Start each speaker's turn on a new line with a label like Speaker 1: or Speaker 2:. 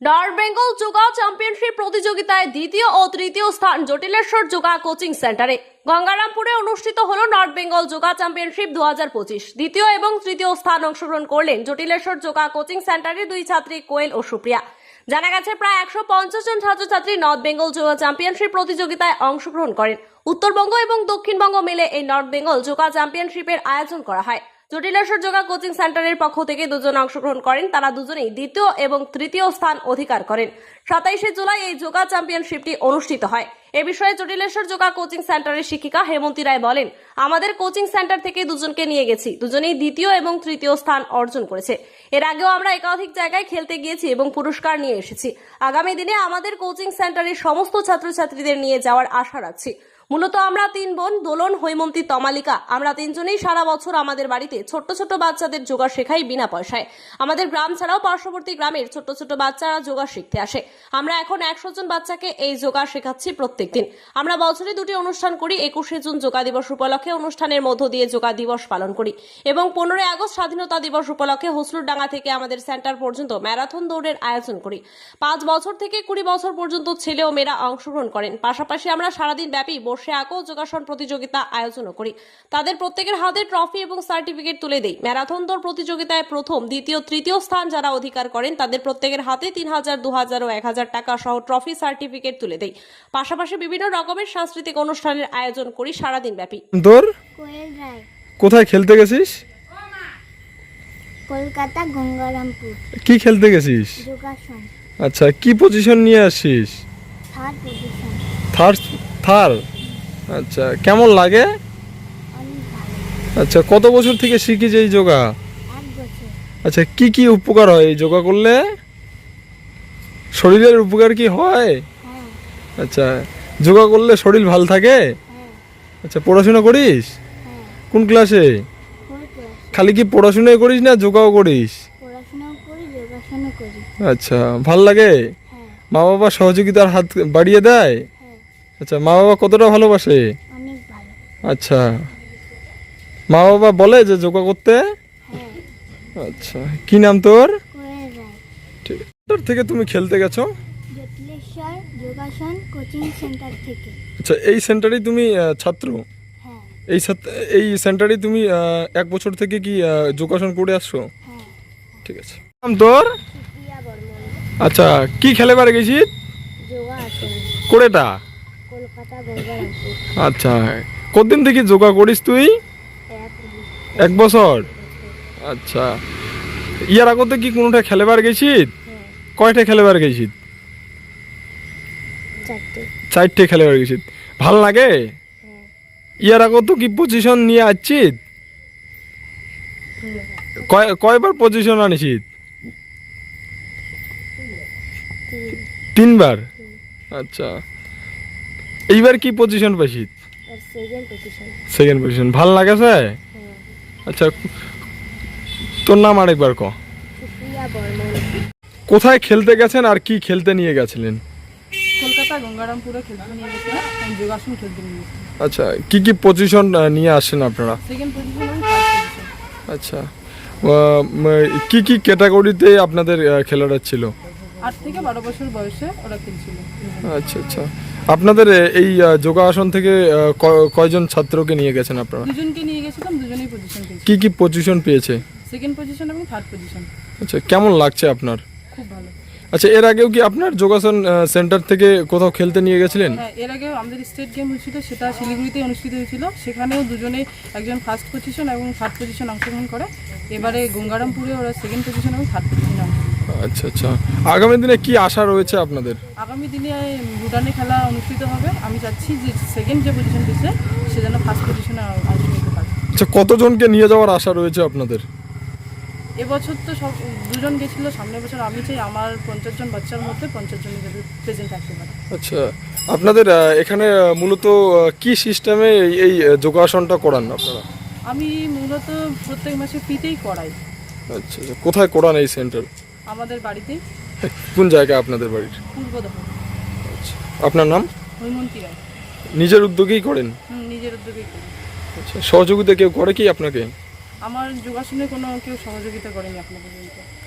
Speaker 1: North Bengal yoga championship প্রতিযোগিতায় দ্বিতীয় ও তৃতীয় স্থান জটিলেশ্বর যোগা কোচিং সেন্টারে গঙ্গারামপুরে অনুষ্ঠিত হলো নর্থ বেঙ্গল যোগা চ্যাম্পিয়নশিপ 2025। দ্বিতীয় এবং তৃতীয় স্থান অংশগ্রহণ করলেন জটিলেশ্বর যোগা কোচিং সেন্টারের দুই ছাত্রী কোয়েল ও সুপ্রিয়া। জানা গেছে প্রায় 150 জন ছাত্রছাত্রী নর্থ বেঙ্গল যোগা চ্যাম্পিয়নশিপ প্রতিযোগিতায় অংশগ্রহণ করেন। উত্তরবঙ্গ এবং দক্ষিণবঙ্গ মিলে এই নর্থ বেঙ্গল যোগা চ্যাম্পিয়নশিপের আয়োজন করা হয়। জটিলেশ্বর যোগা কোচিং সেন্টারের পক্ষ থেকে দুজন অংশগ্রহণ করেন। তারা দুজনেই দ্বিতীয় এবং তৃতীয় স্থান অধিকার করেন। 27শে জুলাই এই যোগা চ্যাম্পিয়নশিপটি অনুষ্ঠিত হয়। এ বিষয়ে জটিলেশ্বর যোগা কোচিং সেন্টারের শিক্ষিকা হেমন্তী রায় বলেন, আমাদের কোচিং সেন্টার থেকে দুজনকে নিয়ে গেছি, দুজনেই দ্বিতীয় এবং তৃতীয় স্থান অর্জন করেছে। এর আগেও আমরা একাধিক জায়গায় খেলতে গিয়েছি এবং পুরস্কার নিয়ে এসেছি। আগামী দিনে আমাদের কোচিং সেন্টারের সমস্ত ছাত্রছাত্রীদের নিয়ে যাওয়ার আশা রাখছি। মূলত আমরা তিন বোন দোলন, হৈমন্তী, তমালিকা। আমরা তিনজনেই সারা বছর আমাদের বাড়িতে ছোট্ট ছোট্ট বাচ্চাদের যোগা শেখাই বিনা পয়সায়। আমাদের গ্রাম ছাড়াও পার্শ্ববর্তী গ্রামের ছোট্ট ছোট্ট বাচ্চারা যোগা শিখতে আসে। আমরা এখন 100 জন বাচ্চাকে এই যোগা শেখাচ্ছি প্রত্যেকদিন। আমরা বছরে দুটি অনুষ্ঠান করি। 21শে জুন যোগা দিবস উপলক্ষে অনুষ্ঠানের মধ্য দিয়ে যোগা দিবস পালন করি এবং 15ই আগস্ট স্বাধীনতা দিবস উপলক্ষে হসলুরডাঙ্গা থেকে আমাদের সেন্টার পর্যন্ত ম্যারাথন দৌড়ের আয়োজন করি। 5 বছর থেকে 20 বছর পর্যন্ত ছেলে ও মেয়েরা অংশগ্রহণ করেন। পাশাপাশি আমরা সারাদিন ব্যাপী বসে আঁকো যোগাসন প্রতিযোগিতা আয়োজন করি। তাদের প্রত্যেকের হাতে ট্রফি এবং সার্টিফিকেট তুলে দেই। ম্যারাথন দৌড় প্রতিযোগিতায় প্রথম, দ্বিতীয়, তৃতীয় স্থান যারা অধিকার করেন তাদের প্রত্যেকের হাতে 3000, 2000 ও 1000 টাকা সহ ট্রফি, সার্টিফিকেট তুলে দেই। পাশাপাশি বিভিন্ন রকমের সাংস্কৃতিক অনুষ্ঠানের আয়োজন করি সারাদিন ব্যাপী।
Speaker 2: তোর
Speaker 3: কোয়েল রায়,
Speaker 2: কোথায় খেলতে গেছিস?
Speaker 3: কলকাতা গঙ্গারামপুর।
Speaker 2: কি খেলতে গেছিস?
Speaker 3: যোগাসন,
Speaker 2: আচ্ছা, কি পজিশন নিয়ে আসিস?
Speaker 3: Third position.
Speaker 2: থার্ড। আচ্ছা, কেমন লাগে?
Speaker 3: অনেক ভালো।
Speaker 2: আচ্ছা, কত বছর থেকে শিখিস এই যোগা?
Speaker 3: 1 বছর।
Speaker 2: আচ্ছা, কি কি উপকার হয় এই যোগা করলে? শরীরের উপকার কি হয়?
Speaker 3: হ্যাঁ,
Speaker 2: আচ্ছা, যোগা করলে শরীর ভালো থাকে?
Speaker 3: হ্যাঁ,
Speaker 2: আচ্ছা, পড়াশোনা করিস?
Speaker 3: হ্যাঁ।
Speaker 2: কোন ক্লাসে?
Speaker 3: 4 ক্লাস।
Speaker 2: খালি কি পড়াশোনাই করিস না যোগাও করিস?
Speaker 3: পড়াশোনাও করি, যোগাসনও করি।
Speaker 2: আচ্ছা, ভাল লাগে?
Speaker 3: হ্যাঁ,
Speaker 2: মা বাবা সহযোগিতার হাত বাড়িয়ে দেয়?
Speaker 3: হ্যাঁ,
Speaker 2: আচ্ছা, মা বাবা কতটা ভালোবাসে?
Speaker 3: অনেক ভালো।
Speaker 2: আচ্ছা, মা বাবা বলে যে যোগা করতে?
Speaker 3: হ্যাঁ,
Speaker 2: আচ্ছা, কি নাম তোর?
Speaker 3: কোয়েল রায়।
Speaker 2: ঠিক আছে। কোথা থেকে তুমি খেলতে গেছো?
Speaker 3: জটিলেশ্বর যোগাসন কোচিং সেন্টার থেকে।
Speaker 2: আচ্ছা, এই সেন্টারেই তুমি ছাত্র?
Speaker 3: হ্যাঁ,
Speaker 2: এই সেন্টারেই তুমি 1 বছর থেকে কি যোগাসন করে আসছো?
Speaker 3: হ্যাঁ।
Speaker 2: ঠিক আছে। নাম তোর?
Speaker 3: সুপ্রিয়া বর্মন।
Speaker 2: আচ্ছা, কি খেলে পারে গেছি?
Speaker 3: যোগাসন,
Speaker 2: কোরেটা?
Speaker 3: কলকাতা গঙ্গারামপুর।
Speaker 2: আচ্ছা, কতদিন থেকে যোগা করিস তুই?
Speaker 3: 1
Speaker 2: বছর। আচ্ছা, ইয়ার আগতে কি কোনোটা খেলেবার গেছি?
Speaker 3: হ্যাঁ,
Speaker 2: কয়টা খেলেবার গেছি?
Speaker 3: 4টে।
Speaker 2: 4টে খেলেবার গেছি। ভাল লাগে?
Speaker 3: হ্যাঁ,
Speaker 2: ইয়ার আগত কি পজিশন নিয়ে আসছি? কয়বার পজিশন আনিছি? 3বার। আচ্ছা, এইবার কি পজিশন পাইছি?
Speaker 3: আর সেকেন্ড পজিশন।
Speaker 2: Second position. ভাল লাগেছে?
Speaker 3: হ্যাঁ,
Speaker 2: আচ্ছা, তোর নাম আরেকবার ক।
Speaker 3: সুপ্রিয়া বর্মন।
Speaker 2: কোথায় খেলতে গেছেন আর কি খেলতে নিয়ে গেছিলেন?
Speaker 4: কলকাতা গঙ্গারামপুরে খেলতে নিয়ে গেছিলাম, আমি যোগাসন খেলতে নিয়ে গেছিলাম।
Speaker 2: আচ্ছা, কি কি পজিশন নিয়ে আসেন আপনারা?
Speaker 4: সেকেন্ড পজিশন এবং থার্ড পজিশন।
Speaker 2: আচ্ছা, কি কি ক্যাটাগরিতে আপনাদের খেলোয়াড় ছিল?
Speaker 4: 8 থেকে 12 বছর বয়সে ওরা খেলছিল।
Speaker 2: আচ্ছা আচ্ছা, আপনাদের এই যোগাসন থেকে কয়জন ছাত্রকে নিয়ে গেছেন আপনারা?
Speaker 4: দুজনকে নিয়ে গেছিলাম, দুজনেই পজিশন খেলছিল।
Speaker 2: কি কি পজিশন পেয়েছে?
Speaker 4: সেকেন্ড পজিশন এবং থার্ড পজিশন।
Speaker 2: আচ্ছা, কেমন লাগছে আপনার?
Speaker 4: খুব ভালো।
Speaker 2: আচ্ছা, এর আগেও কি আপনার যোগাসন সেন্টার থেকে কোথাও খেলতে নিয়ে গেছিলেন?
Speaker 4: হ্যাঁ, এর আগে আমাদের স্টেট গেম হয়েছিল, সেটা শিলিগুড়িতে অনুষ্ঠিত হয়েছিল। সেখানেও দুজনে, একজন ফার্স্ট পজিশন এবং থার্ড পজিশন অংশগ্রহণ করে। এবারে গঙ্গারামপুরে ওরা সেকেন্ড পজিশন এবং থার্ড পজিশন অংশগ্রহণ।
Speaker 2: আচ্ছা আচ্ছা, আগামী দিনে কি আশা রয়েছে আপনাদের?
Speaker 4: আগামী দিনে ভুটানে খেলা অনুষ্ঠিত হবে। আমি চাচ্ছি যে সেকেন্ড যে পজিশন দিচ্ছে সে যেন ফার্স্ট পজিশনে অংশ নিতে পারে।
Speaker 2: আচ্ছা, কতজনকে নিয়ে যাওয়ার আশা রয়েছে আপনাদের?
Speaker 4: এবছর তো সব দুজন গেছিলো, সামনের বছর আমি চাই আমার 50 জন বাচ্চার মধ্যে 50 জন যাতে প্রেজেন্ট থাকতে পারে।
Speaker 2: আচ্ছা, আপনাদের এখানে মূলত কি সিস্টেমে এই যোগাসনটা করান আপনারা?
Speaker 4: আমি মূলত প্রত্যেক মাসে ফ্রিতেই করাই।
Speaker 2: আচ্ছা আচ্ছা, কোথায় করান এই সেন্টার?
Speaker 4: আমাদের বাড়িতেই,
Speaker 2: কোন জায়গায় আপনাদের বাড়ির?
Speaker 4: পূর্বদহ।
Speaker 2: আচ্ছা, আপনার নাম?
Speaker 4: হৈমন্তী রায়।
Speaker 2: নিজের উদ্যোগেই করেন?
Speaker 4: নিজের উদ্যোগেই করি।
Speaker 2: আচ্ছা, সহযোগিতা কেউ করে কি আপনাকে?
Speaker 4: আমার যোগাসনে কোনো কেউ সহযোগিতা করেনি এখনো পর্যন্ত।